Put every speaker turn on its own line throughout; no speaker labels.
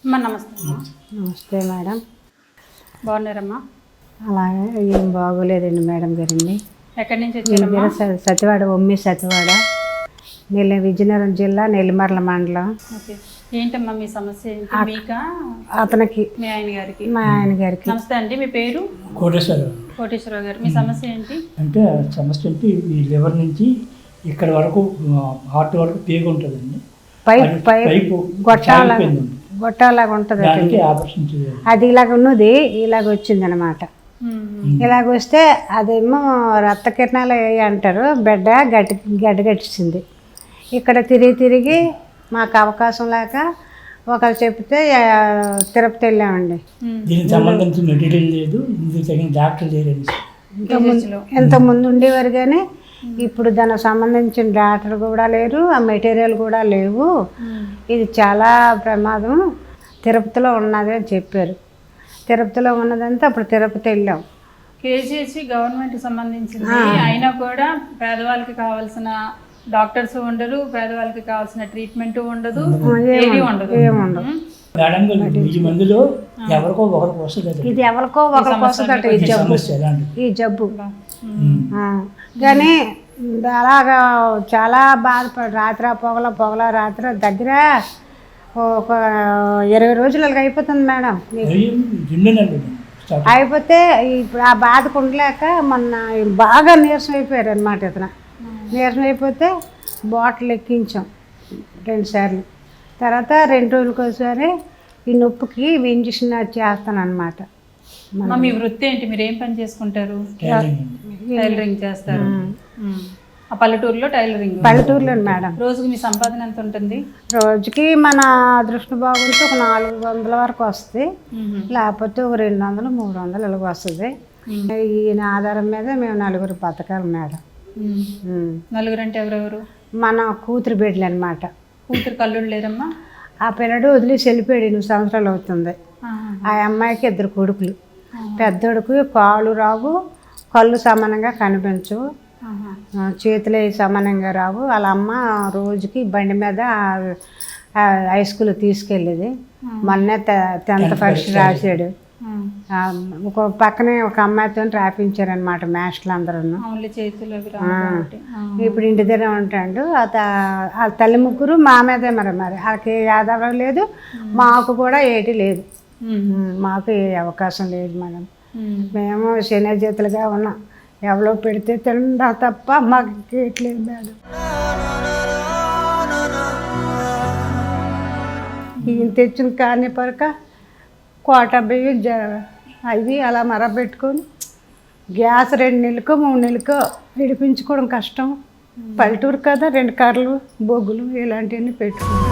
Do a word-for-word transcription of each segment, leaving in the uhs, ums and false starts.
అమ్మా నమస్తే అమ్మా.
నమస్తే మేడం.
బాగున్నారమ్మా?
అలాగే ఏం బాగోలేదండి మేడం గారండి.
ఎక్కడి నుంచి వచ్చారమ్మా?
స- సతివాడ ఒమ్మి సతివాడ నెల్లి విజయనగరం జిల్లా నెల్లిమర్ల మండలం.
ఓకే, ఏంటమ్మా మీ సమస్య ఏంటి? మీకా
అతనికి
మీ ఆయన గారికి?
మా ఆయన గారికి
నమస్తే అండి, మీ పేరు?
కోటేశ్వరరావు.
కోటేశ్వరరావు గారు, మీ సమస్య ఏంటి?
అంటే సమస్య అంటే ఈ లివర్ నుంచి ఇక్కడ వరకు హార్ట్ వరకు పేగు ఉంటుందండి.
పైప్
అది
పైప్
పైపు
గొట్టాల
సాగిపోయిందండి.
గొట్టాలాగా ఉంటుంది.
దానికి ఆపరేషన్ చేయాలి.
అది ఇలాగ ఉన్నది, ఇలాగ వచ్చింది అనమాట.
మ్మ్.
ఇలాగ వస్తే అదేమో రక్త కిరణాలు అయ్యాయి అంటారు. బిడ్డ గట్టి గడ్డ గట్టించింది. ఇక్కడ తిరిగి తిరిగి మాకు అవకాశం లేక ఒకరు చెప్తే ఆ, తిరుపతి వెళ్ళామండి.
మ్మ్.
దీనికి సంబంధించిన మెటీరియల్ లేదు, ఇందుకు తగిన డాక్టర్ లేరండి.
కేజీహెచ్లో.
ఎంత ముందు ఉండేవారు కానీ ఇప్పుడు దానికి సంబంధించిన డాక్టర్ కూడా లేరు, ఆ మెటీరియల్ కూడా లేవు.
మ్మ్.
ఇది చాలా ప్రమాదం, తిరుపతిలో ఉన్నది అని చెప్పారు. తిరుపతిలో ఉన్నదంతా అప్పుడు తిరుపతి వెళ్ళాం.
కేజీహెచ్ గవర్నమెంట్ సంబంధించింది అయినా కూడా పేదవాళ్ళకి కావాల్సిన డాక్టర్స్ ఉండరు, పేదవాళ్ళకి కావాల్సిన ట్రీట్మెంట్ ఉండదు, ఏది ఉండదు.
ఏముండదు.
మ్మ్.
మేడం గారు ఈ మందులో ఎవరికో ఒకరికి వస్తుంది
ఇది ఎవరికో ఒకరికి వస్తుందట ఈ జబ్బు,
సమస్య ఎలాంటి
ఈ జబ్బు.
మ్మ్.
ఆ, కానీ అలాగా చాలా బాధపడి రాత్రి పొగల పొగల రాత్రి దగ్గర ఒక ఇరవై రోజులకి అయిపోతుంది మేడం.
రెండు నెలలు స్టార్ట్.
అయిపోతే ఇప్పుడు ఆ బాధకు ఉండలేక మొన్న బాగా నీరసం అయిపోయారు అనమాట. ఇతను నీరసం అయిపోతే బాటిల్ ఎక్కించాం రెండు సార్లు. తర్వాత రెండు రోజులకి ఒకసారి ఈ నొప్పికి ఇంజక్షన్ చేస్తాను అనమాట.
అమ్మా, మీ వృత్తి ఏంటి? మీరు ఏం పని చేసుకుంటారు?
టైలరింగ్ అండి.
టైలరింగ్ చేస్తారు. మ్మ్. ఆ పల్లెటూరులో టైలరింగ్.
పల్లెటూరులో మేడం.
రోజుకి మీ సంపాదన ఎంత ఉంటుంది?
రోజుకి మన అదృష్టం బాగుంటే ఒక నాలుగు వందల వరకు వస్తుంది, లేకపోతే ఒక రెండు వందలు మూడు వందలు ఇలాగ వస్తుంది. ఈయన ఆధారం మీద మేము నలుగురు బతకాలి మేడం.
మ్మ్.
ఉమ్.
నలుగురు అంటే ఎవరెవరు?
మన కూతురు బిడ్డలు అనమాట.
కూతురు కల్లుడు లేరమ్మా?
ఆ పిల్లడు వదిలేసి వెళ్ళిపోయాడు, ఎనిమిది సంవత్సరాలు అవుతుంది.
ఆహా.
ఆ అమ్మాయికి ఇద్దరు కొడుకులు. పెద్దోడుకు కాళ్ళు రావు, కళ్ళు సమానంగా కనిపించవు,
ఆహా.
ఆ, చేతులు సమానంగా రావు. వాళ్ళ అమ్మ రోజుకి బండి మీద ఆ, హై స్కూల్ తీసుకెళ్ళేది. మొన్నే టెన్త్ పరీక్ష రాశాడు.
మ్మ్.
ఆ, ఒక పక్కనే ఒక అమ్మాయితో రాపించారనమాట మాస్టర్లు అందరూ.
ఓన్లీ చేతులు అవి రావు కాబట్టి. ఆ.
ఇప్పుడు ఇంటి దగ్గర ఉంటాడు. ఆ త- ఆ తల్లి ముగ్గురు మా మీదే మరి మరి వాళ్ళకి ఆధారం లేదు, మాకు కూడా ఏటి లేదు.
మ్మ్.
ఉమ్, మాకు ఏ అవకాశం లేదు మేడం.
మ్మ్.
మేము శని చేతులుగా ఉన్నాం. ఎవరో పెడితే తిండా తప్ప మాకు కేట్లేదు మేడం. ఈయన తెచ్చిన కాని పరక కోట బియ్యం జ అవి అలా మరబెట్టుకొని గ్యాస్ రెండు నెలలకో మూడు నెలలకో విడిపించుకోవడం కష్టం. పల్లెటూరు కదా, రెండు కర్రలు బొగ్గులు ఇలాంటివన్నీ పెట్టుకున్నాం.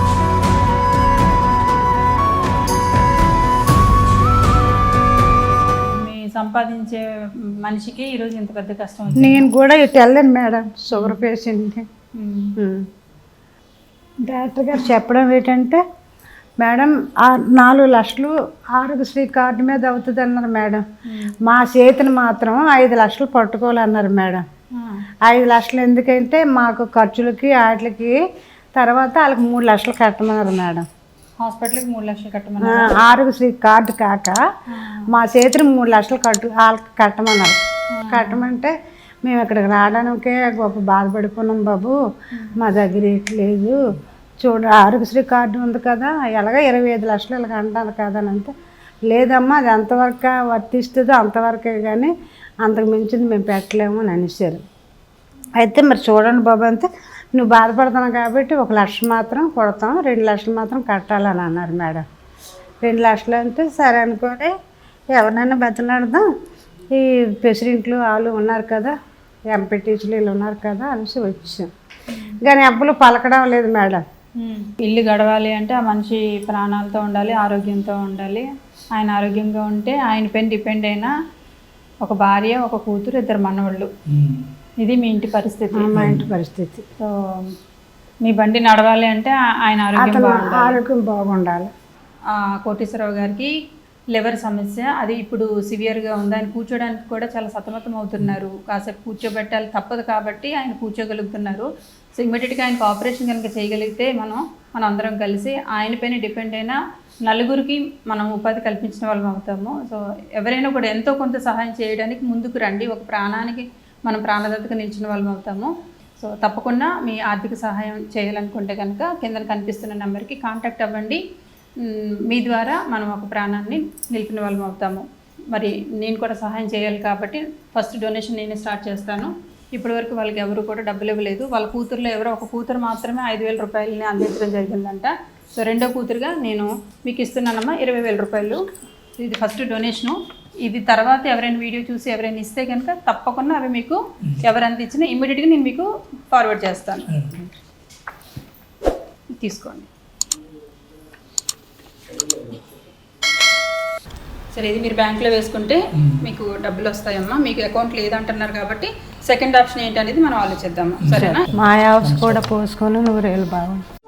మీ సంపాదించే మనిషికి ఈరోజు ఇంత పెద్ద కష్టం వచ్చింది.
నేను కూడా ఇటు వెళ్ళాను మేడం, షుగర్ పేషెంట్.
మ్మ్.
డాక్టర్ గారు చెప్పడం ఏంటంటే, మేడం ఆ నాలుగు లక్షలు ఆరోగ్యశ్రీ కార్డు మీద అవుతుంది అన్నారు మేడం. మా చేతిని మాత్రం ఐదు లక్షలు పట్టుకోవాలన్నారు మేడం.
ఆ.
ఐదు లక్షలు ఎందుకంటే మాకు ఖర్చులకి వాటికి తర్వాత వాళ్ళకి మూడు లక్షలు కట్టమన్నారు మేడం.
హాస్పిటల్కి మూడు లక్షలు కట్టమని.
ఆ, ఆరోగ్యశ్రీ కార్డు కాక మా చేతిని మూడు లక్షలు కట్టు వాళ్ళకి కట్టమన్నారు. కట్టమంటే మేము ఇక్కడికి రావడానికే గొప్ప బాధపడిపోయినాం బాబు, మా దగ్గర ఏటి లేదు, చూడ ఆరోగ్యశ్రీ కార్డు ఉంది కదా, ఎలాగ ఇరవై ఐదు లక్షలు ఇలాగ అంటారు కదా అని అంటే, లేదమ్మా అది ఎంతవరకు వర్తిస్తుందో అంతవరకే కానీ అంతకు మించింది మేము పెట్టలేము అని అనేసారు. అయితే మరి చూడండి బాబు అంతే, నువ్వు బాధపడుతున్నావు కాబట్టి ఒక లక్ష మాత్రం కొడతాం, రెండు లక్షలు మాత్రం కట్టాలని అన్నారు మేడం. రెండు లక్షలు అంటే సరే అనుకొని ఎవరినైనా బతలాడదాం, ఈ ప్రెసిడెంట్లు వాళ్ళు ఉన్నారు కదా, ఎంపీ టీచర్లు వీళ్ళు ఉన్నారు కదా అనేసి వచ్చాం. కానీ అప్పులు పలకడం లేదు మేడం.
మ్మ్. ఇల్లు గడవాలి అంటే ఆ మనిషి ప్రాణాలతో ఉండాలి, ఆరోగ్యంతో ఉండాలి. ఆయన ఆరోగ్యంగా ఉంటే ఆయన పైన డిపెండ్ అయిన ఒక భార్య, ఒక కూతురు, ఇద్దరు మనవాళ్ళు.
ఉమ్.
ఇది మీ ఇంటి పరిస్థితి.
మా ఇంటి పరిస్థితి.
సో మీ బండి నడవాలి అంటే ఆ- ఆయన ఆరోగ్యం
అతను
బాగుండాలి.
ఆరోగ్యం బాగుండాలి.
ఆ, కోటేశ్వరరావు గారికి లివర్ సమస్య, అది ఇప్పుడు సివియర్గా ఉంది. ఆయన కూర్చోడానికి కూడా చాలా సతమతం అవుతున్నారు. కాసేపు కూర్చోబెట్టాలి తప్పదు కాబట్టి ఆయన కూర్చోగలుగుతున్నారు. సో ఇమ్మీడియట్గా ఆయనకు ఆపరేషన్ కనుక చేయగలిగితే మనం మనం అందరం కలిసి ఆయన పైన డిపెండ్ అయిన నలుగురికి మనం ఉపాధి కల్పించిన వాళ్ళం అవుతాము. సో ఎవరైనా కూడా ఎంతో కొంత సహాయం చేయడానికి ముందుకు రండి. ఒక ప్రాణానికి మనం ప్రాణదాతగా నిలిచిన వాళ్ళం అవుతాము. సో తప్పకుండా మీ ఆర్థిక సహాయం చేయాలనుకుంటే కనుక కింద కనిపిస్తున్న నెంబర్కి కాంటాక్ట్ అవ్వండి. మీ ద్వారా మనం ఒక ప్రాణాన్ని నిలిపిన వాళ్ళం అవుతాము. మరి నేను కూడా సహాయం చేయాలి కాబట్టి ఫస్ట్ డొనేషన్ నేనే స్టార్ట్ చేస్తాను. ఇప్పటి వరకు వాళ్ళకి ఎవరు కూడా డబ్బులు ఇవ్వలేదు. వాళ్ళ కూతురులో ఎవరో ఒక కూతురు మాత్రమే ఐదు వేల రూపాయలని అందించడం జరిగిందంట. సో రెండో కూతురుగా నేను మీకు ఇస్తున్నానమ్మా ఇరవై వేల రూపాయలు. ఇది ఫస్ట్ డొనేషను. ఇది తర్వాత ఎవరైనా వీడియో చూసి ఎవరైనా ఇస్తే కనుక తప్పకుండా అవి మీకు ఎవరంత ఇచ్చినా ఇమ్మీడియట్గా నేను మీకు ఫార్వర్డ్ చేస్తాను. తీసుకోండి. సరే, ఇది మీరు బ్యాంక్లో వేసుకుంటే మీకు డబ్బులు వస్తాయమ్మా. మీకు అకౌంట్ లేదంటున్నారు కాబట్టి సెకండ్ ఆప్షన్ ఏంటి అనేది మనం ఆలోచిద్దాము. సరేనా?
మా హౌస్ కూడా పోసుకొని నూరేళ్ళు బాగుంది.